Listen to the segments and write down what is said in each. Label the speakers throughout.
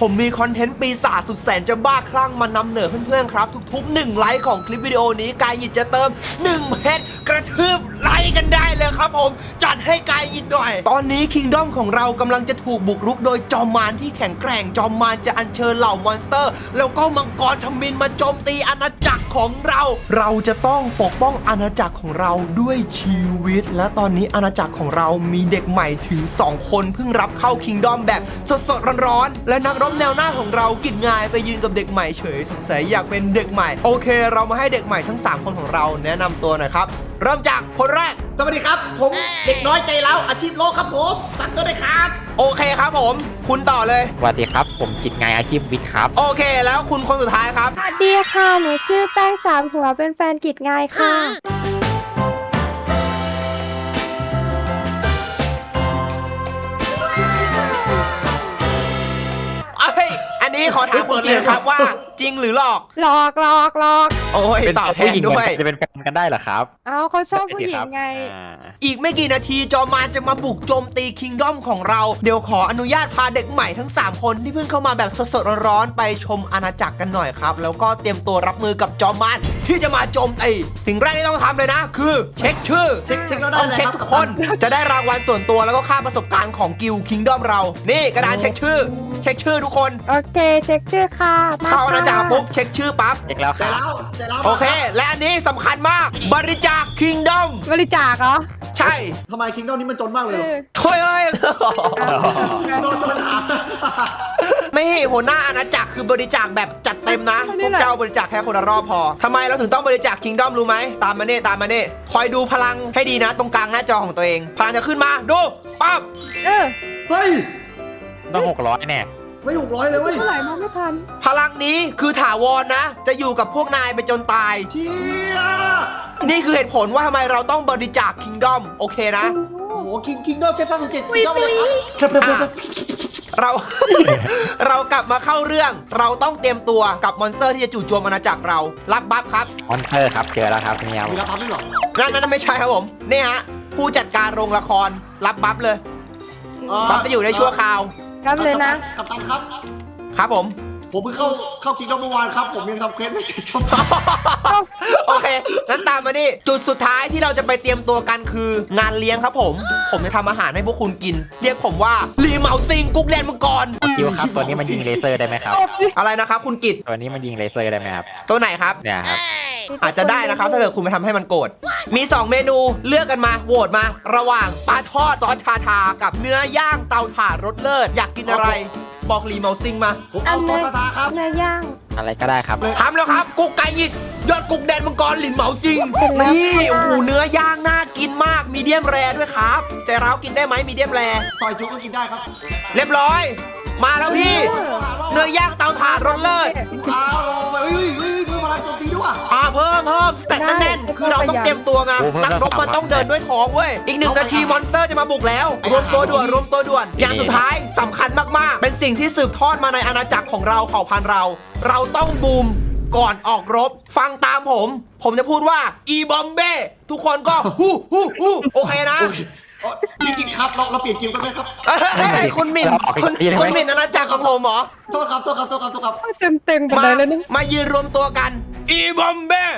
Speaker 1: ผมมีคอนเทนต์ปีศาจสุดแสนจะบ้าคลั่งมานำเหนือเพื่อนๆครับทุกๆ1ไลค์ของคลิปวิดีโอนี้กายหยิดจะเติม1เพชรกระทืบไลค์กันได้เลยครับผมจัดให้กายหยิดหน่อยตอนนี้คิงดอมของเรากำลังจะถูกบุกรุกโดยจอมมารที่แข็งแกร่งจอมมารจะอัญเชิญเหล่ามอนสเตอร์แล้วก็มังกรทมิฬมาโจมตีอาณาจักรของเราจะต้องปกป้องอาณาจักรของเราด้วยชีวิตและตอนนี้อาณาจักรของเรามีเด็กใหม่ถึง2คนเพิ่งรับเข้าคิงดอมแบบสดๆร้อนๆและนักรบแนวหน้าของเรากิจงายไปยืนกับเด็กใหม่เฉยสงสัยอยากเป็นเด็กใหม่โอเคเรามาให้เด็กใหม่ทั้ง3คนของเราแนะนำตัวหน่อยครับเริ่มจากคนแรก
Speaker 2: สวัสดีครับผมเด็กน้อยใจเล้าอาชีพโลกครับผมฝากตัวด้วยครับ
Speaker 1: โอเคครับผมคุณต่อเลย
Speaker 3: สวัสดีครับผมจิตงายอาชีพวิทย์ครับ
Speaker 1: โอเคแล้วคุณคนสุดท้ายครับ
Speaker 4: สวัสดีค่ะหนูชื่อแป้งสามหัวเป็นแฟนกิจงายค่ะ
Speaker 1: อันนี้ขอถามคุณเลยครับว่าจริงหรือหลอก
Speaker 4: หลอก
Speaker 1: โอ้ยตอบแทนด้วย
Speaker 3: จะเป็นแฟนกันได้เหรอครับ
Speaker 4: เอาเขาชอบผู้หญิงไง
Speaker 1: อีกไม่กี่นาทีจอมมารจะมาบุกโจมตีคิงดอมของเราเดี๋ยวขออนุญาตพาเด็กใหม่ทั้ง3คนที่เพิ่งเข้ามาแบบสดๆร้อนๆไปชมอาณาจักรกันหน่อยครับแล้วก็เตรียมตัวรับมือกับจอมมารที่จะมาโจมตีสิ่งแรกที่ต้องทำเลยนะคือเช็คชื่อต้องเช็คทุกคนจะได้รางวัลส่วนตัวแล้วก็ค่าประสบการณ์ของกิลคิงดอมเรานี่กระดานเช็คชื่อทุกคน
Speaker 4: โอเคเช็คชื่อค่ะ
Speaker 1: เข้าอาณาจักรปุ๊บเช็คชื่อปั๊บ
Speaker 3: เช็คแล้ว
Speaker 2: ใจเล้า
Speaker 1: โอเคและอันนี้สำคัญมากบริจาคคิงดอม
Speaker 4: บริจาคเหรอ
Speaker 1: ใช่
Speaker 2: ทำไมคิงดอมนี้มันจนมากเลย
Speaker 1: เฮ้ย
Speaker 2: โดนถาม
Speaker 1: ไม่หัวหน้าอาณาจักรคือบริจาคแบบจัดเต็มนะพวกเจ้าบริจาคแค่คนละรอบพอทำไมเราถึงต้องบริจาคคิงดอมรู้ไหมตามมาเน่คอยดูพลังให้ดีนะตรงกลางหน้าจอของตัวเองพลังจะขึ้นมาดูปั๊บ
Speaker 2: เฮ้ย
Speaker 3: ต้อง600แน่
Speaker 2: ไม่600เลยเว้ย
Speaker 4: เท่าไหร่มองไม่ทัน
Speaker 1: พลังนี้คือถาวรนะจะอยู่กับพวกนายไปจนตาย
Speaker 2: เชี่ย
Speaker 1: นี่คือเหตุผลว่าทำไมเราต้องบริจาคคิงดอมโอเคนะ
Speaker 2: โอ้โหคิงดอมแค่37สีดอมเลยครับ
Speaker 1: เรากลับมาเข้าเรื่องเราต้องเตรียมตัวกับมอนสเตอร์ที่จะจู่โจมอาณาจักรเรารับบัฟครับ
Speaker 3: มอนสเตอร์ครับเจอแล้วครับนี่ครับ
Speaker 2: มีรับบัฟด้วยหรอ
Speaker 1: นั่นไม่ใช่ครับผมนี่ฮะผู้จัดการโรงละครรับบัฟเลยบัฟจะอยู่ได้ชั่วคราว
Speaker 4: รับเลยนะ
Speaker 2: กัปตันครับ
Speaker 1: ครับผม
Speaker 2: เพิ่งเข้าคิงดอมเมื่อวานครับผมยังทำเควสไม่เสร็จครับ
Speaker 1: โอเคงั้นตามมาดิจุดสุดท้ายที่เราจะไปเตรียมตัวกันคืองานเลี้ยงครับผมจะทำอาหารให้พวกคุณกินเรียกผมว่าลีเหมาซิงกุ๊กแลนมังกร
Speaker 3: คิวครับตัวนี้มันยิงเลเซอร์ได้ไหมครับ
Speaker 1: อะไรนะครับคุณกิต
Speaker 3: ตัวนี้มันยิงเลเซอร์ได้ไหมครับ
Speaker 1: ตัวไหนครับ
Speaker 3: เนี่ยครับ
Speaker 1: อาจจะได้นะครับถ้าเกิดคุณไปทำให้มันโกรธมี2เมนูเลือกกันมาโหวตมาระหว่างปลาทอดซอสชาทากับเนื้อย่างเตาถ่านรสเลิศอยากกินอะไรบอกลีเมาซิงมา
Speaker 2: เอาซอสชาทาครับ
Speaker 4: เนื้อย่าง
Speaker 3: อะไรก็ได้ครับ
Speaker 1: ทำแล้วครับกุ๊กไก่ยิดยอดกุ๊กแดนมังกรหลินเหมาซิงนี่โอ้โหเนื้อย่างน่ากินมากมีเดียมแรด้วยครับใจร้าวกินได้ไหมมีเดียมแร
Speaker 2: ซอยจุ๊กก็กินได้ครับ
Speaker 1: เรียบร้อยมาแล้วพี่เนื้อย่างเตาถ่านรสเลิศ
Speaker 2: พลังโจมตีด้วย
Speaker 1: เพิ่มสเต็ปแน่นคือเราต้องเตรียมตัวไงนักรบมันต้องเดินด้วยท้องเว้ยอีก1 นาทีมอนสเตอร์จะมาบุกแล้วรวมตัวด่วนอย่างสุดท้ายสำคัญมากๆเป็นสิ่งที่สืบทอดมาในอาณาจักรของเราเผ่าพันธุ์เราต้องบูมก่อนออกรบฟังตามผมจะพูดว่าอีบอมเบ้ทุกคนก็ฮู้โอเคนะ
Speaker 2: พี่กินครับเราเปลี่ยนเกมกันไหมครับ
Speaker 1: คุณหมิ่นอาณาจักรของผมเหรอ
Speaker 2: โทษครับ
Speaker 4: เต็มไปเลยนะ
Speaker 1: มายืนรวมตัวกันอีบอมเบ้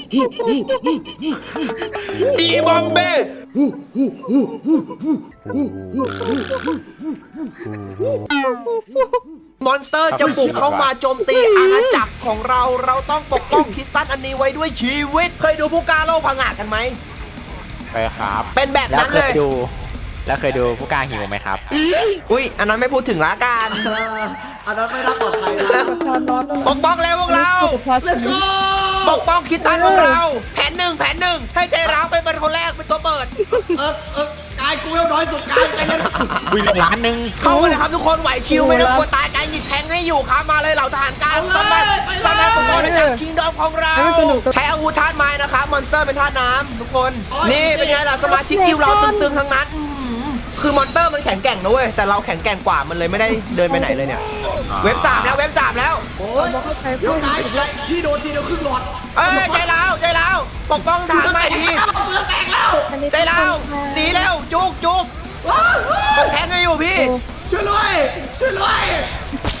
Speaker 1: มอนสเตอร์จะบุกเข้ามาโจมตีอาณาจักรของเราต้องปกป้องคริสตัลอันนี้ไว้ด้วยชีวิตเคยดูผู้กล้าโลกผงาดกันไหม
Speaker 3: ไปครับ
Speaker 1: เป็นแบบนั้นเลย
Speaker 3: แล้วเคยดูผู้กล้าหิวไหมครับ
Speaker 1: อุ้ยอันนั้นไม่พูดถึงละกัน
Speaker 2: อันนั้นไม่น่าปลอดภัย
Speaker 1: ปกป้องแล้วพวกเราปกป้องคริสตัลพวกเราแผนหนึ่งให้ใจร้าวไปเป็นคนแรกเป็นตัวเปิด
Speaker 2: กายกูเอวน้อยสุดกายใจเย็น
Speaker 3: วิ่ง1 ล้าน
Speaker 1: เข้ามาเลยครับทุกคนไหวชิวไม่ต้องกลัวตายกายหยิบแทงให้อยู่ครับมาเลยเหล่าทหารกลางสมัครปกป้องจากคิงดอมของเราใช้อาวุธธาตุไม้นะครับมอนสเตอร์เป็นธาตุน้ำทุกคนนี่เป็นไงล่ะสมาชิกกิลเราตึงๆทั้งนั้นคือมอนสเตอร์มันแข็งแกร่งนะเว้ยแต่เราแข็งแกร่งกว่ามันเลยไม่ได้เดินไปไหนเลยเนี่ยเว็บ 3แล้ว
Speaker 2: โอ้ยเดี๋ยวพี่โดนทีเดียวครึ่งหลอด
Speaker 1: ใจร้าวปกป้องทางไม่ดีใจร้าวสีเร็วจุกผมแทงให้อยู่พี่
Speaker 2: ช่วยด้วย
Speaker 1: เอ้า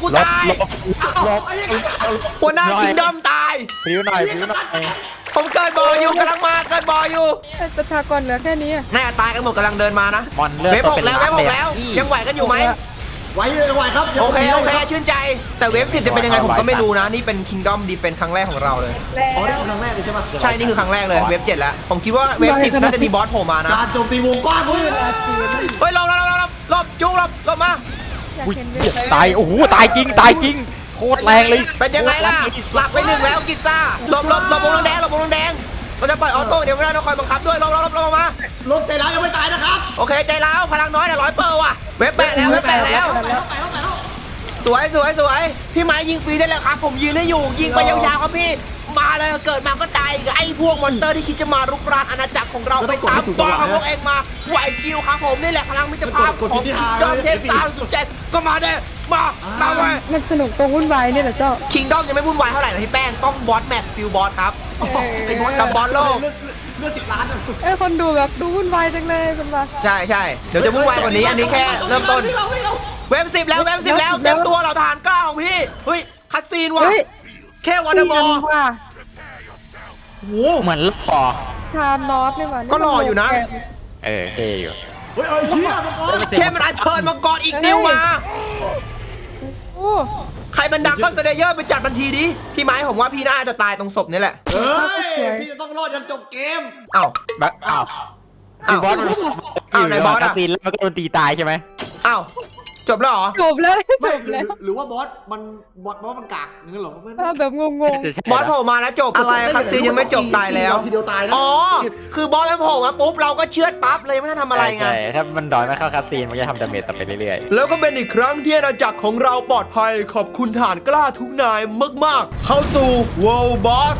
Speaker 1: กูตาย
Speaker 3: ลบ
Speaker 1: หัวหน้าคิงดอมตาย
Speaker 3: ผิวหน่อยผิวหน่อย
Speaker 1: ผมเกิดบ่ออยู่กำลังมาเกิดบ่ออยู่
Speaker 4: ประชากรเหลือแค่นี้อะ
Speaker 1: น่าจะตายกันหมดกำลังเดินมานะ
Speaker 3: มอนเลือด
Speaker 1: เวฟ
Speaker 3: ตัว
Speaker 1: หก
Speaker 3: เป็น
Speaker 1: แล้วเว
Speaker 3: ล้า
Speaker 1: ฟ
Speaker 3: น
Speaker 1: ห
Speaker 3: เล
Speaker 1: ก
Speaker 3: ย
Speaker 1: แล้วยังไหวกันอยู่ไหม
Speaker 2: ไหวเลยไหวครับ
Speaker 1: โอเคโอเค
Speaker 2: ครับ
Speaker 1: ชื่นใจ แต่เวฟ10จะเป็นยังไงผมก็ไม่รู้นะ นี่เป็น Kingdom Defense ครั้งแรกของเราเลย
Speaker 2: อ๋อนี่คือครั้งแรกเลยใช่ไหม
Speaker 1: ใช่ นี่คือครั้งแรกเลย เวฟ7แล้ว ผมคิดว่าเวฟ10น่าจะมีบอสโผล่มานะ
Speaker 2: การโจมตีวงกว้างเพื่อน
Speaker 1: เฮ้ยหลบจุกหลบมา
Speaker 4: อยาก
Speaker 3: อุ้ย
Speaker 4: เห็นเวฟ
Speaker 3: ตายโอ้โหตายจริงตายจริงโคตรแรงเลย
Speaker 1: เป็นยังไงล่ะ หลับไปหนึ่งแล้วกิซ่าหลบวงแดงเราจะปล่อยออโต้เดี๋ยวไม่ได้เราคอยบังคับด้วยหลบมา
Speaker 2: ลบใจร้ายยังไม่ตายนะครับ
Speaker 1: โอเคใจร้าวพลังน้อยแต่100%ว่ะ เวฟแปะแล้ว
Speaker 2: ไปแล้ว
Speaker 1: สวยพี่ไม้ยิงฟรีได้แล้วครับ ผมยืนให้อยู่ยิงไปยาวๆครับพี่ มาเลยเกิดมาก็ตายอีกไอ้พวกมอนสเตอร์ที่คิดจะมารุกรานอาณาจักรของเราไปตามตัวของพวกเองมาไหวชิวครับผมนี่แหละพลังมิตรภาพของดอมเทพ307ก็มาเด้มาเว้ย
Speaker 4: มันสนุกตรงวุ่นวายเนี่ยแหละเจ้า
Speaker 1: คิงดอมยังไม่วุ่นวายเท่าไหร่นะพี่แป้งต้องบอสแมทฟิลบอสครับ
Speaker 2: ไอ้บอส
Speaker 1: กับบอสโลก
Speaker 2: เลือด10 ล้าน
Speaker 4: คนดูแบบดูวุ่นวายจังเลยคุณว่า
Speaker 1: ใช่เดี๋ยวจะวุ่นวายกว่านี้อันนี้แค่เริ่มต้นเว็บ10แล้วเต็มตัวเราทหารกล้าของพี่เฮ้ยคัดซีนว่ะ
Speaker 4: เฮ้ย
Speaker 1: แค่วอเตอร์บอล
Speaker 4: ว่า
Speaker 1: โอ้โห
Speaker 3: เหมือนลูกปอ
Speaker 4: ทานนอสนี่หว่า
Speaker 1: ก็รออยู่นะ
Speaker 3: เท่อยู่
Speaker 2: เฮ้ยเชี่ยมังกร
Speaker 1: แค่มันอัญเชิญมังกรอีกนิ้วมา
Speaker 4: โอ้
Speaker 1: ใครมันดักก็เซเดเยอร์ไปจัดบันทีดิพี่ไม้ผมว่าพี่น่าจะตายตรงศพนี่แหละ
Speaker 2: เฮ้ยพี่จะต้องรอดจนจบเกม
Speaker 1: เอ้า
Speaker 3: แบบอ้าว
Speaker 1: อ้าว
Speaker 3: บอสมัน
Speaker 1: อ้าวไหนบอสอะ
Speaker 3: ตีนแล้วมันก็โดนตีตายใช่ไหม
Speaker 1: เอ้าจบแล้วเหรอ
Speaker 4: จบแล้วจ
Speaker 2: ไม่
Speaker 4: บแล้ว
Speaker 2: หรือว่าบอสมันกากงั้นเหรอไม่
Speaker 4: แบบงง
Speaker 1: บอสโผล่มาแล้วจบอะไรคัดซีนยังไม่จบตายแล้ว
Speaker 2: ทีเดียวตายนะ
Speaker 1: อ๋อคือบอสมันโผล่มาปุ๊บเราก็เชือดปั๊บเลยไม่ได้ทำอะไรไง
Speaker 3: ใช่ถ้ามันดอยไม่เข้าคัสซีนมันจะทำดาเมจต่อไปเรื่อย
Speaker 1: แล้วก็เป็นอีกครั้งที่อาณาจักรของเราปลอดภัยขอบคุณฐานกล้าทุกนายมากๆ เข้าสู่ World Boss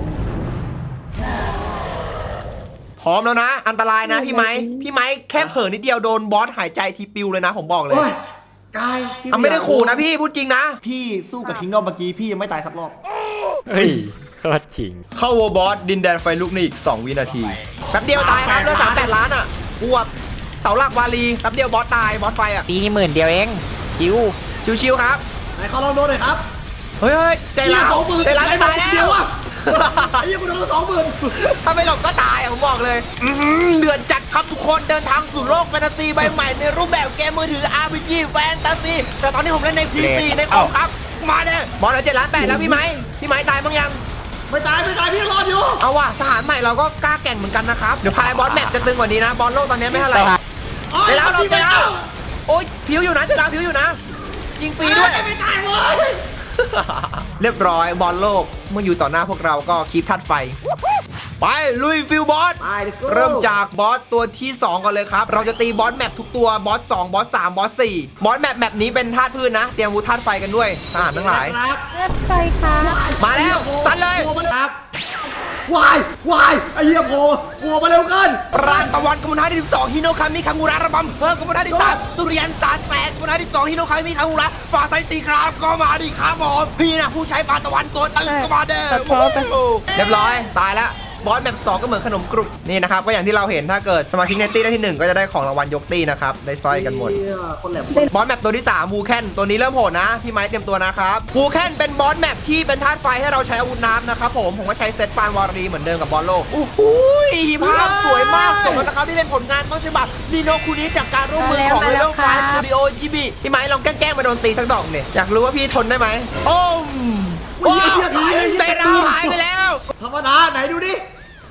Speaker 1: พร้อมแล้วนะ อันตรายนะพี่ไม้แค่เผลอนิดเดียวโดนบอสหายใจทีปิวเลยนะผมบอกเลย
Speaker 2: โอ้ยกายพี่
Speaker 1: ไม่ได้ขู่นะพี่พูดจริงนะ
Speaker 2: พี่สู้กับคิงดอมเมื่อกี้พี่ยังไม่ตายสักรอบ
Speaker 3: ๆเฮ้ยโคตรจริง
Speaker 1: เข้า World Boss ดินแดนไฟลุกในอีก 2 วินาทีแป๊บเดียวตายครับเลือด38 ล้านอ่ะบวกเสาหลักวาลีแป๊บเดียวบอสตายบอสไฟอ่ะ
Speaker 3: ตี10,000เดียวเองคิว
Speaker 1: ชิวๆครับ
Speaker 2: ไหนขอลองโดนหน่อยครับ
Speaker 1: เฮ้ยใจร้าวใจร้าวจะตายแล้
Speaker 2: เดียว
Speaker 1: ว
Speaker 2: อ่ะไอ้ยังกูโดน20,000
Speaker 1: ถ้าไม่หลบก็ตายอะผมบอกเลยเดือดจัดครับทุกคนเดินทางสู่โลกแฟนตาซีใบใหม่ในรูปแบบเกมมือถือ RPG แฟนตาซีแต่ตอนนี้ผมเล่นใน PC ในคอมครับ มาเนี่ยบอลเหลือ7 ล้าน 8แล้วพี่ไม้ตายบ้างยัง
Speaker 2: ไม่ตายพี่รอดอยู่
Speaker 1: เอาว่ะทหารใหม่เราก็กล้าแก่งเหมือนกันนะครับ เดี๋ยวพายบอสแมปจะตึงกว่านี้นะ บอลโลกตอนนี้ไม่เท่าไหร่ใจแล้วเราใจแล้วโอ๊ยผิวอยู่นะใจแล้วผิวอยู่นะ ยิงฟรีด้วย
Speaker 2: ไม่ตายเว้ย
Speaker 1: เรียบร้อยบอลโลกเมื่ออยู่ต่อหน้าพวกเราก็คีบธาตุไฟ ไปลุยฟิลบอส
Speaker 2: ไป let's go
Speaker 1: เริ่มจากบอสตัวที่ 2 ก่อนเลยครับ เราจะตีบอสแมปทุกตัวบอส 2 บอส 3 บอส 4 บอสแมปนี้เป็นธาตุพืชนะ เตรียมอาวุธธาตุไฟกันด้วยทหารทั้งหลาย
Speaker 2: ครับ
Speaker 4: ๆไปค่ะ
Speaker 1: มาแล้วซัดเลย
Speaker 2: ครับวายไอ้เหี้ยโผล่มาเร็วเกิน
Speaker 1: ปราณตะวันกมลท่าที่12ฮิโนคามิคังุระระบำเพิ่มกมลท่าที่3สุริยันตาแสงกมลท่าที่2ฮิโนคามิคังุระฝ่าไซตีครามก็มาดิครับผมพี่นะผู้ใช้ปราณตะวันตัวตึงก็มาเด้อเรียบร้อยตายแล้วบอสแมป2ก็เหมือนขนมกรุบนี่นะครับก็อย่างที่เราเห็นถ้าเกิดสมาชิกในตี้ได้ที่ 1 ก็จะได้ของรางวัลยกตี้นะครับได้สร้อยกันหมด
Speaker 2: คนแหลม
Speaker 1: บอสแมปตัวที่3วูแคนตัวนี้เริ่มโหดนะพี่ไม้เตรียมตัวนะครับวูแคนเป็นบอสแมปที่เป็นธาตุไฟให้เราใช้อาวุธน้ำนะครับผมก็ใช้เซตปานวารีเหมือนเดิมกับบอลโลกโอ้โหภาพสวยมากสมแล้วนะครับที่เป็นผลงานต้นฉบับนีโนคุนิจากการร่วมมือของ Level 5 Studio GB พี่ไม้ลองแกล้งมาโดนตีสักดอกเนี่ยอยากรู้ว่าพี่ทนได้ไหมโอ้มใจเราหายไปแล้ว
Speaker 2: ธรรมดาไหนดูดิ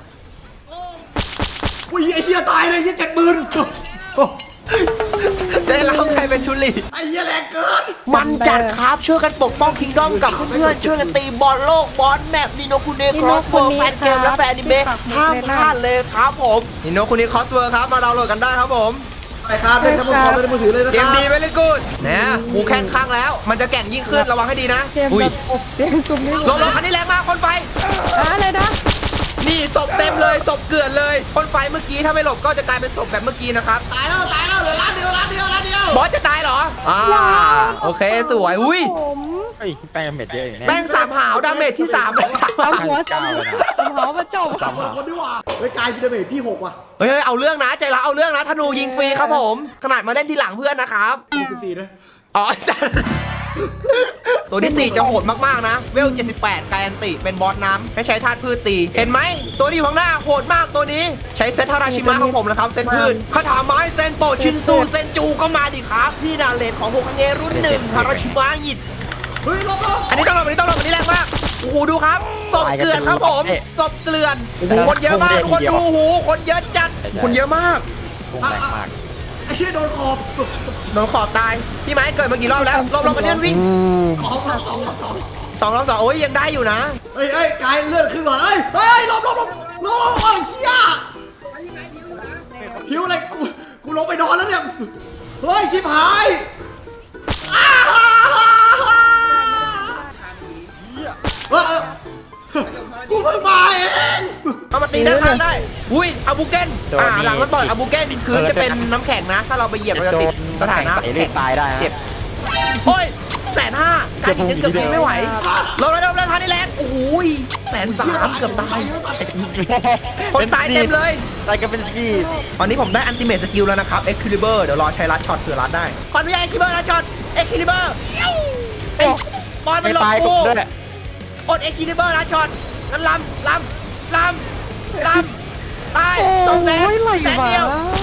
Speaker 2: อุ้ยไอ้เหี้ยตายเลยยี่70,000
Speaker 1: ใจเราใครเป็นชุลี
Speaker 2: ไอ้เหี้ยแรงเกิน
Speaker 1: มันจัดครับช่วยกันปกป้องคิงดอมกับเพื่อนๆช่วยกันตีบอลโลกบอลแมปนิโนคุเนครอสเวิร์แฟนเกมและแฟนอนิเมะห้ามพลาดเลยครับผมนิโนคุเนครอสเวิร์ครับมาดาวน์โหลดกันได้ครับผม
Speaker 2: ไอ้ครับเป็นทั้งหมดในมือถือเลยนะ
Speaker 1: เก
Speaker 2: ค
Speaker 1: ม
Speaker 2: รับ
Speaker 1: ดีเวลี่กูดนะหมูแข่งข้างแล้ว มันจะแก่งยิ่งขึ้นระวังให้ดีนะ
Speaker 4: เกม
Speaker 1: อุ้ย
Speaker 4: แบบอบเตียงซุ่มนี่
Speaker 1: ลงคันนี้แรงมากคนไฟ
Speaker 4: อะไรนะ
Speaker 1: นี่ศพเต็มเลยศพเกลื่อนเลยคนไฟเมื่อกี้ถ้าไม่หลบก็จะกลายเป็นศพแบบเมื่อกี้นะครับ
Speaker 2: ตายแล้วเหลือล้านเดียว
Speaker 1: บอสจะตายเหรอโอเคสวยอุ้ย
Speaker 4: ผม
Speaker 3: เฮ้ยแป้งดาเมจเยอะอย่างเนี้ย
Speaker 1: แป้งสามหาวดาเมจที่3แป้งสามหาว
Speaker 4: ทำหัวสมหัวมาจบ
Speaker 2: คนดีกว่าเฮ้ยกายพีระเบิดพี่6ว่ะ
Speaker 1: เฮ้ยเอาเรื่องนะใจละเอาเรื่องนะธนูยิงฟรีครับผมขนาดมาเล่นทีหลังเพื่อนนะครับ
Speaker 2: 64นะ
Speaker 1: อ๋อไอ้สัสตัวที่ 4 จะโหดมากๆนะเวล 78 กายอันติเป็นบอสน้ำให้ใช้ธาตุพืชตีเห็นไหมตัวที่อยู่ข้างหน้าโหดมากตัวนี้ใช้เซตทาราชิมะของผมนะครับเซตพืชคาถาไม้เซนโปชินซูเซนจูก็มาดิครับที่นาเลนของโฮคาเงรุ่น1ทาราชิมะหยิด
Speaker 2: เฮ้ยลบ
Speaker 1: อันนี้ต้องลงอันนี้ต้องลงอันนี้แรงมากโอ้โหดูครับศพเกลื่อนครับผมศพเกลื่อนโอ้โหคนเยอะมากคนดูโอ้โหคนเยอะจัดคนเยอะมาก
Speaker 3: พุ่งแรงมาก
Speaker 2: ไอ้เชี่ยโดนขอบ
Speaker 1: โดนขอบตายพี่ไม้เกิดมากี่รอบแล้วลงกันเนี่ยวิ่ง
Speaker 2: สอง
Speaker 1: 2 โอ้ยยังได้อยู่นะ
Speaker 2: เฮ้ยกายเลือดขึ้นก่อนเฮ้ยลบเฮ้ยเชี่ยหิวอะไรกูลงไปนอนแล้วเนี่ยเฮ้ยชิบหายกูเพิ่งมาเอง
Speaker 1: เอามาตีด้านข้างได้อุ้ยอาบูเกนหลังมันต่อยอาบูเกนพื้นจะเป็นน้ำแข็งนะถ้าเราไปเหยียบเราจะติดสถานะ
Speaker 3: ไอ้เลือดตายได้นะ
Speaker 1: เจ็บโอ้ย150,000การยิงกันเกือบไม่ไหวลงแล้วทันนี่แรงโอ้ย130,000เกือบตายคนตายเต็มเลย
Speaker 3: ตายกันเป็นซี่
Speaker 1: ตอนนี้ผมได้อันติเมทสกิลแล้วนะครับ Excalibur เดี๋ยวรอใช้ลัดช็อตเผื่อลัดได้ขออนุญาต Excalibur ลัดช็อต Excalibur ไอ้บอลมันหลบ
Speaker 3: ตาย
Speaker 1: กู
Speaker 3: ด้วย
Speaker 1: อด Excalibur ลัดช็อตงั้นลำตาย2แสนแสนเดียว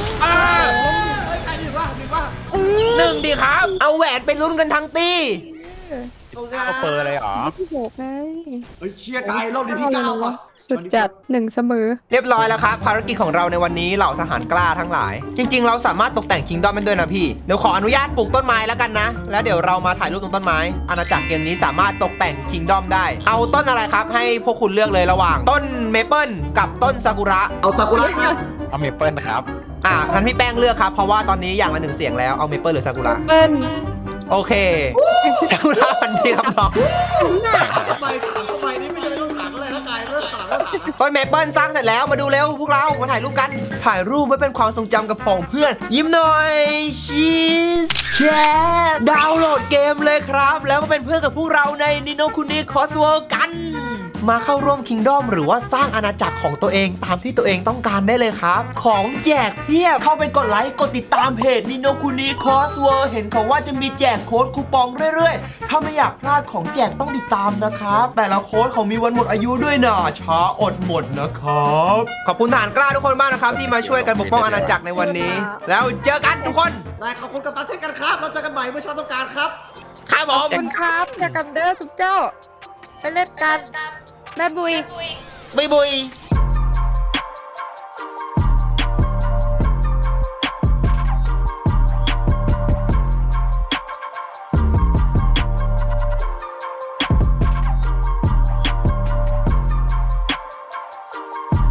Speaker 1: หนึ่งดีครับ เอาแหวนไปลุ้นกันทั้งตี
Speaker 3: เอาเปอร์เลยเหรอ
Speaker 4: พี่โบกไง
Speaker 2: เฮ้ยเชี่ยกายรอบนี้พี่ก้าวว่ะ
Speaker 4: สุดจัด1เสมอ
Speaker 1: เรียบร้อยแล้วครับภารกิจของเราในวันนี้เหล่าทหารกล้าทั้งหลาย จริงๆ เราสามารถตกแต่งคิงดอมมันด้วยนะพี่เดี๋ยวขออนุญาตปลูกต้นไม้แล้วกันนะแล้วเดี๋ยวเรามาถ่ายรูปตรงต้นไม้อาณาจักรเกมนี้สามารถตกแต่งคิงดอมได้เอาต้นอะไรครับให้พวกคุณเลือกเลยระหว่างต้นเมเปิลกับต้นซากุระ
Speaker 2: เอาซากุระครับ
Speaker 3: เอาเมเปิลครับ
Speaker 1: งั้นพี่แป้งเลือกครับเพราะว่าตอนนี้อย่างละ1 เสียงแล้วเอาเมเปิลหรือซากุระ
Speaker 4: เปิ้ล
Speaker 1: โอเคซากุระพันธุ์ดีครับน้อง
Speaker 2: ทำไมนี่ไม่ได้ต้องถามอะไรนะกายไม่ต้องถาม
Speaker 1: ต้นเมเปิลสร้างเสร็จแล้วมาดูเร็วพวกเรามาถ่ายรูปกันถ่ายรูปไว้เป็นความทรงจำกับผองเพื่อนยิ้มหน่อยชีสแชร์ดาวน์โหลดเกมเลยครับ แล้วมาเป็นเพื่อนกับพวกเราในนิโนคุนิคอสเวิลด์กัน มาเข้าร่วมคิงดอมหรือว่าสร้างอาณาจักรของตัวเองตามที่ตัวเองต้องการได้เลยครับ ของแจกเพียบเข้าไปกดไลค์กดติดตามเพจนิโนคุนิคอสเวิลด์เห็นเขาว่าจะมีแจกโค้ดคูปองเรื่อยๆถ้าไม่อยากพลาดของแจกต้องติดตามนะครับแต่ละโค้ดเขามีวันหมดอายุด้วยนะช้าอดหมดนะครับขอบคุณทหารกล้าทุกคนมากนะครับที่มาช่วยกันปกป้องอาณาจักรในวันนี้ แล้วเจอกันทุกคน
Speaker 2: ได้ขอบคุณกัปตันเช่นกันครับเราเจอกันใหม่เมื่อเช้าต้องการครับ
Speaker 1: ครับผม
Speaker 4: ขอบคุณครับจากกันเด้อทุกเจ้า ไปเล่นกันแม่บุย
Speaker 1: บุย